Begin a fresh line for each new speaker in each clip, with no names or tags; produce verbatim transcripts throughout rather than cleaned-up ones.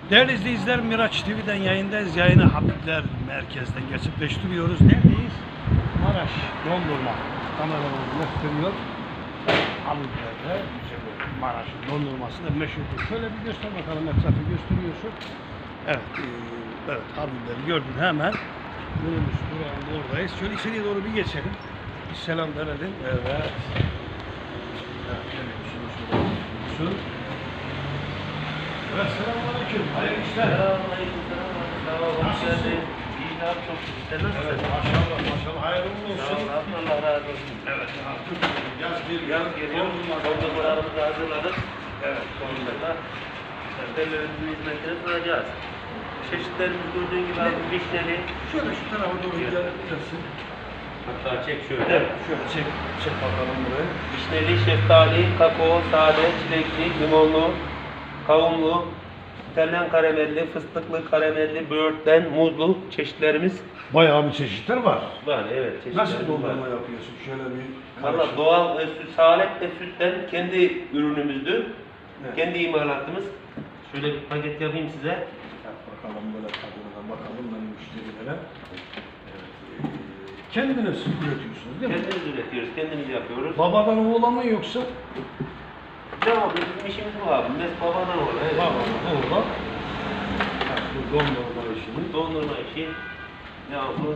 Değerli izleyiciler, Miraç T V'den yayındayız. Yayını Habibler Merkez'den gerçekleştiriyoruz. Neredeyiz? Maraş dondurma. Kameralarını gösteriyor. Habibler'de Maraş dondurması da meşhurdur. Şöyle bir göster bakalım, etrafı gösteriyorsun. Evet, e, evet Habibler'i gördün hemen. Minibüs durağında oradayız. Şöyle içeriye doğru bir geçelim. Bir selam verelim. Evet. Evet, şöyle bir şey şöyle. Evet, selamünaleyküm. Hayırlı işler.
Selamünaleyküm. Selamünaleyküm. Hoş geldin. İyi abi, çok şükür. Sen nasılsın?
Evet, maşallah, maşallah. Hayırlı olsun.
Sağ ol abi, Allah razı olsun.
Evet, artık yaz bir
Yaz geliyor. Dondurmalarımızı hazırladık.
Evet,
Sonunda müşterilerimizin hizmetine sunacağız. Çeşitlerimiz gördüğün gibi abi vişneli.
Şöyle şu tarafa doğru gelirsin.
Hatta çek şöyle.
Evet, şöyle çek, çek bakalım burayı.
Vişneli, şeftali, kakao, sade, çilekli, limonlu, kavunlu, İtalyan karamelli, fıstıklı, karamelli, böğürtlen, muzlu çeşitlerimiz
Bayağı bir çeşitler var.
var. Evet, çeşitlerimiz
Nasıl
var.
dondurma yapıyorsun? Şöyle bir
Valla
karışık.
doğal e, süt, salep ve sütten kendi ürünümüzdü.
Evet.
Kendi imalatımız. Şöyle bir paket yapayım size.
Yap bakalım böyle tadına bakalım ben müşterilere. Evet. e, Kendiniz üretiyorsunuz değil mi?
Kendimiz üretiyoruz, kendimiz yapıyoruz.
Babadan oğula mı yoksa?
Ne abi, bizim işimiz bu abi. Mes babadan olur. Evet.
Babadan oğula. Ha, bu dondurma işini.
Dondurma işi. Ne abi?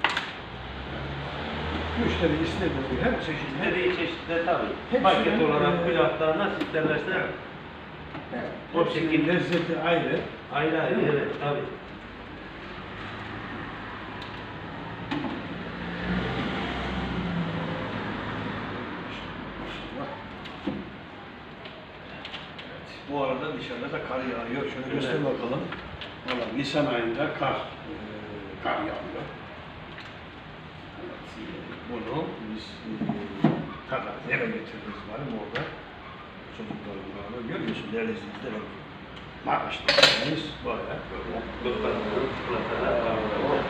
Müşteri istediği her çeşit.
Dediği çeşitler tabii.
Hepsinin,
Paket olarak,
e,
külahlar nasıl isterlerse. O
O şekilde
şekilde.
lezzeti ayrı.
Ayrı ayrı,
Değil mi?
evet tabii.
Bu arada dışarıda da kar yağıyor. Şöyle
Evet.
göster bakalım. Valla Nisan ayında kar, e, kar yağıyor. Evet, e, bunu biz e, kadar eve getiririz var mı orada? Çocuklarımla beraber görüyorsun değerli izleyiciler. Maraş'ta biz böyle böyle.
Çikolatalar, çikolatalar var burada.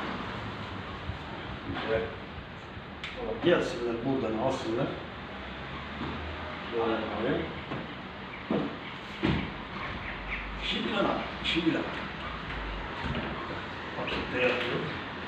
Güzel. Gelsinler buradan alsınlar. Böyle. İşi bilen abi, işi bilen. Pakette yapıyor.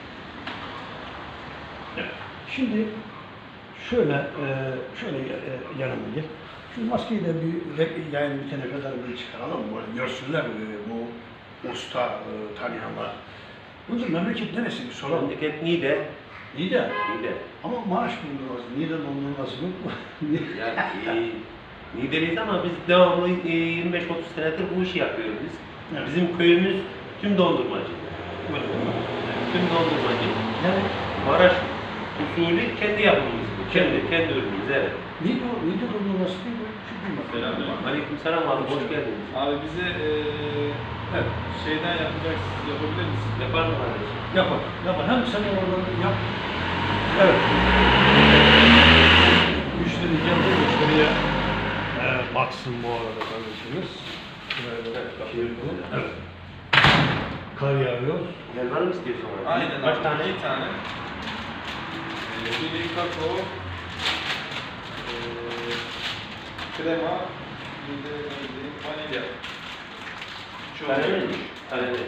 Evet. Şimdi şöyle, e, şöyle e, yanıma gel. Şu maskeyi de bir re- yayın bitene kadar bir çıkaralım. Böyle görsünler e, bu usta e, tanıyanlar. Bunun memleket neresi bir soralım.
Memleket Niğde.
İyi de
Niğde.
ama Maraş dondurması, Niğde dondurması yok mu?
Yani e, Niğdeliyiz ama biz devamlı e, yirmi beş otuz senedir bu işi yapıyoruz biz.
Evet.
Bizim köyümüz tüm dondurmacı.
Böyle.
Tüm dondurmacı. Yani Maraş usulü kendi yapımımız bu. Kendi, kendi ürünümüz evet.
Niğde, Niğde dondurması değil mi? Şu duymak.
Selamünaleyküm.
Aleykümselam abi, hoş geldiniz.
Abi bize eee
Evet.
şeyden yapacaksınız, yapabilir misiniz?
Yapar mı kardeşim?
Yapar, yapar. Hem sen oradan yap. Evet. Müşteri geldi, müşteriye e, baksın bu arada kardeşimiz. Şuraya da çevirdim. Evet. Kar yağıyor.
Helva mı istiyorsun abi?
Aynen
Kaç
abi,
tane?
iki tane. Eee biri kakao, eee krema, bir de ne diyeyim, vanilya.
Tane mi? Tane mi?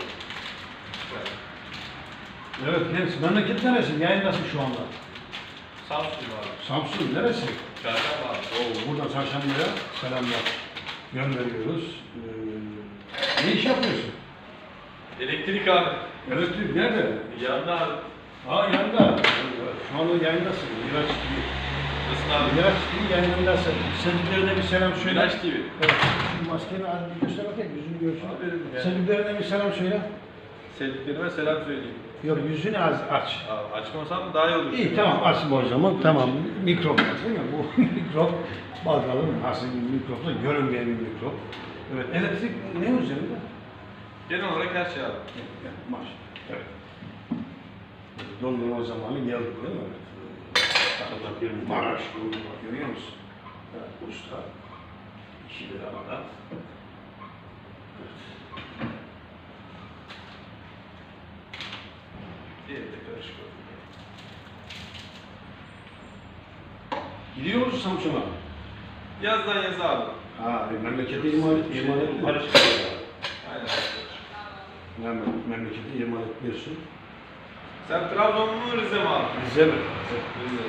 Evet, neresi? Memleket neresi? Yayındasın şu anda.
Samsun var.
Samsun neresi?
Çarşamba var.
Oo, buradan Çarşamba'ya selamlar gönderiyoruz. Ee, ne iş yapıyorsun?
Elektrik abi.
Elektrik nerede?
Yanında abi.
Aa yanında. Şu anda yayındasın. Miraç T V.
Nasılsın abi?
Miraç T V yayınındasın. Sevdiklerine bir selam söyle.
Miraç T V.
Evet. Şu maskeni az bir göster bakayım. Yüzünü görsün.
Abi, yani.
Sevdiklerine bir selam söyle.
Sevdiklerime selam söyleyeyim.
Yok yüzünü az aç.
Abi, açmasam daha iyi olur.
İyi tamam açma o zaman. Tamam. Mikrop değil mi? Bu mikrop. Bakalım nasıl bir mikrop da görünmeyen bir mikrop. Evet. Elektrik ne üzerinde?
Genel olarak her şey abi.
Evet, maş. Evet. Dondurma zamanı geldi değil mi? Evet.
Bakıyorum.
Maraş dondurma görüyor musun? Evet, usta. İşi bir arada. Evet.
Diğeri de karışık oldu.
Gidiyor musun Samsun'a?
Yazdan yaza abi.
Ha, memlekete imal, imal etme.
Karışık.
Aynen.
Hemen memleketi emanet etmiyorsun.
Sen Trabzon mu Rize mi abi?
Rize mi?
Rize.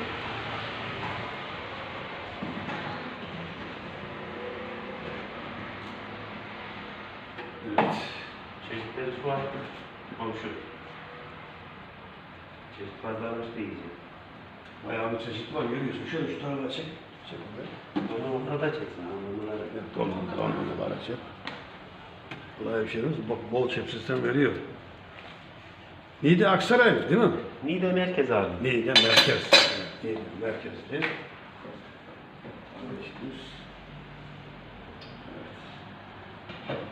Evet.
Çeşitleri şu an komşu. Çeşit pazarmış diyeceğim.
Bayağı bir çeşit var görüyorsun. Şöyle şu tarafa çek. Çek orada.
Onu onlara da çeksin. Onlara
Evet, donma, donma var çek. Kolay bir şey değil mi? Bak bol çep sistem veriyor. Niğde Aksaray değil mi?
Niğde merkez abi.
Niğde merkez. Evet, Niğde merkez değil. Kardeşimiz. Evet.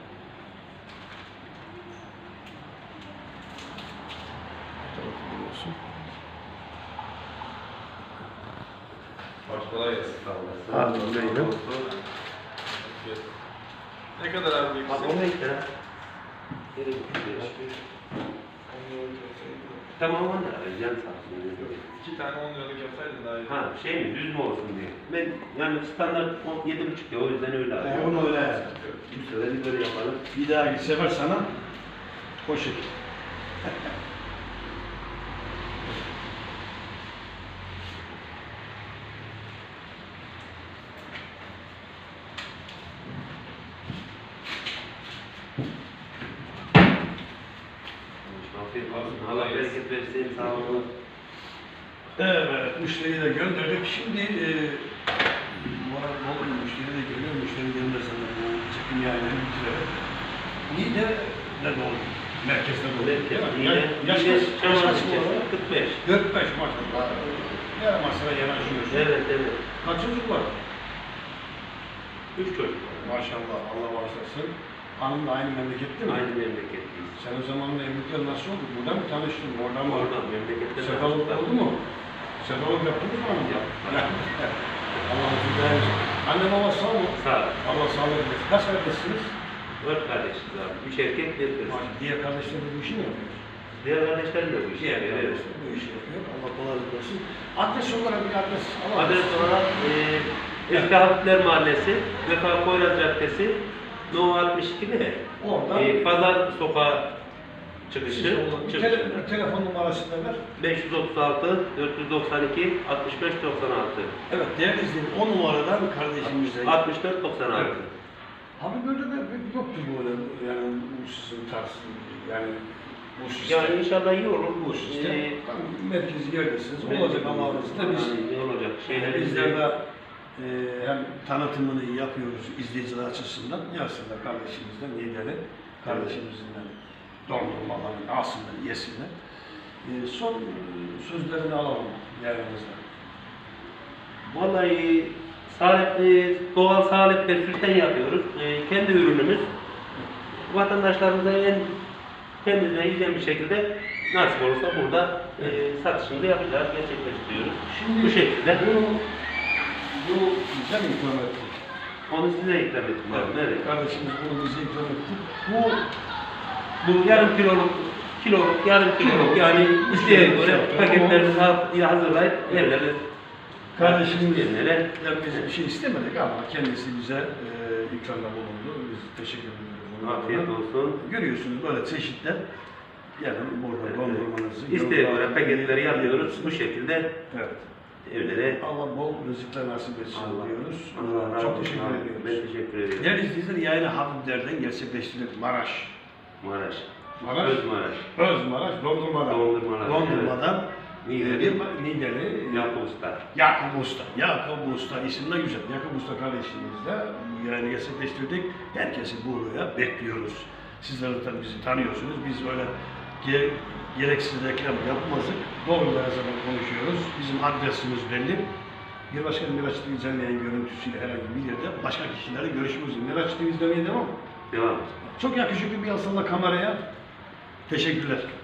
Bu tarafı görüyorsun.
Baş kolay gelsin.
Sağ olasın.
Abi, neydi?
Ne kadar abi
Bak
ikisi?
on beş lira. Nereye gidiyor? Tamam on lira. Can sağ olsun.
İki tane on liralık yapsaydın daha iyi.
Ha şey mi? Düz mü olsun diye. Ben yani standart on yedi buçuk ya o yüzden öyle
E,
alıyorum.
onu öyle.
Bu sefer bir böyle yapalım.
Bir dahaki sefer sana poşet.
Afiyet olsun. Allah bereket versin. Sağ olun.
Evet, müşteriyi de gönderdik. Şimdi e, moral bol müşteri de geliyor. Müşteri gelmezse bu çekim yayını bitirelim. Niğde ne doğru? Merkezde doğru.
Merkez.
Yani yaş
Niğde,
kaç? Yaş
Çamlıca
kaç bu arada?
kırk beş.
kırk beş maşallah. Yarım asıra yanaşıyorsun.
Evet evet.
Kaç çocuk var?
Üç çocuk.
Maşallah, Allah bağışlasın. Hanım da aynı memlekette mi?
Aynı memleketliyiz.
Sen o zaman evlilikler nasıl oldu? Buradan mı tanıştın? Oradan mı?
Oradan memlekette
Sefallık oldu mu? Sefallık yaptınız mı hanım?
Yaptık.
Allah razı olsun. Anne baba sağ mı?
Sağ ol.
Allah sağlık versin. Kaç kardeşsiniz?
Dört kardeşiz abi. Üç erkek, bir kız.
Diğer kardeşler de bu işi mi yapıyor?
Diğer kardeşlerim de bu işi
Diğer
yapıyor. Evet.
kardeşler bu işi yapıyor. Allah kolaylık versin. Adres olarak bir adres alalım.
Adres olarak e, Eski Hafifler Mahallesi, Vefa Poyraz Caddesi, No altmış iki ne?
Oradan
E, Pazar Sokağı çıkışı.
siz olun. Bir,
çıkışı.
tele, bir telefon numarasını ver.
beş yüz otuz altı, dört yüz doksan iki, altmış beş doksan altı.
Evet değerli izleyiciler o numaradan kardeşimize.
altmış dört doksan altı.
Evet. Abi böyle de yoktur böyle yani bu sizin tarz yani bu sistem.
Yani inşallah iyi olur.
bu sistem.
Ee,
Tam merkezi yerdesiniz. Olacak ama bizde biz
Yani ne olacak?
Şeyler
Şeyler
bizler de e, hem tanıtımını yapıyoruz izleyiciler açısından. Yazsınlar kardeşimizden Niğde'li. Kardeşimizden dondurmalarını alsınlar, yesinler. E, son e, sözlerini alalım yayınımızda.
Vallahi salep, e, doğal salep ve sütten yapıyoruz. E, kendi ürünümüz. Vatandaşlarımıza en temiz ve hijyen bir şekilde nasip olursa burada e, satışını da yapacağız, gerçekleştiriyoruz.
Şimdi
Bu şekilde.
Bu, bu bize mi ikram etti?
Onu size ikram ettim abi. Evet.
Kardeşimiz bunu bize ikram etti. Bu
Bu yarım kiloluk, kiloluk, yarım kiloluk yani isteğe göre paketlerimizi ha- hazırlayıp yerlere
kardeşimiz
yerlere
yani biz bir şey istemedik ama kendisi bize e, ikramda bulundu. Biz teşekkür ediyoruz. Bunun
afiyet
adına.
olsun.
Görüyorsunuz böyle çeşitler. Yani burada
Evet.
dondurmanızı.
İsteğe göre
yolda-
paketleri yapıyoruz. Bu şekilde
Evet.
evlere.
Allah bol rızıklar nasip etsin
Allah-
diyoruz.
Allah razı
Çok
olsun
teşekkür
abi.
ediyoruz.
Ben teşekkür ediyorum.
Değerli izleyiciler yayını Habibler'den gerçekleştirdik. Maraş.
Maraş.
Maraş.
Özmaraş.
Özmaraş, dondurmadan.
Dondurmadan,
Dondurmadan.
Niğdeli.
Bir Niğdeli.
Yakup Usta.
Yakup Usta. Yakup Usta isim de güzel. Yakup Usta kardeşimizle bu yayını gerçekleştirdik. Herkesi buraya bekliyoruz. Sizler de tabii bizi tanıyorsunuz. Biz öyle ge gereksiz reklam yapmazdık. Doğruları her zaman konuşuyoruz. Bizim adresimiz belli. Bir başka Miraç T V canlı yayın görüntüsüyle herhangi bir yerde başka kişilerle görüşmek üzere. Miraç T V izlemeye devam.
Devam.
Çok yakışıklı bir asılla kameraya. Teşekkürler.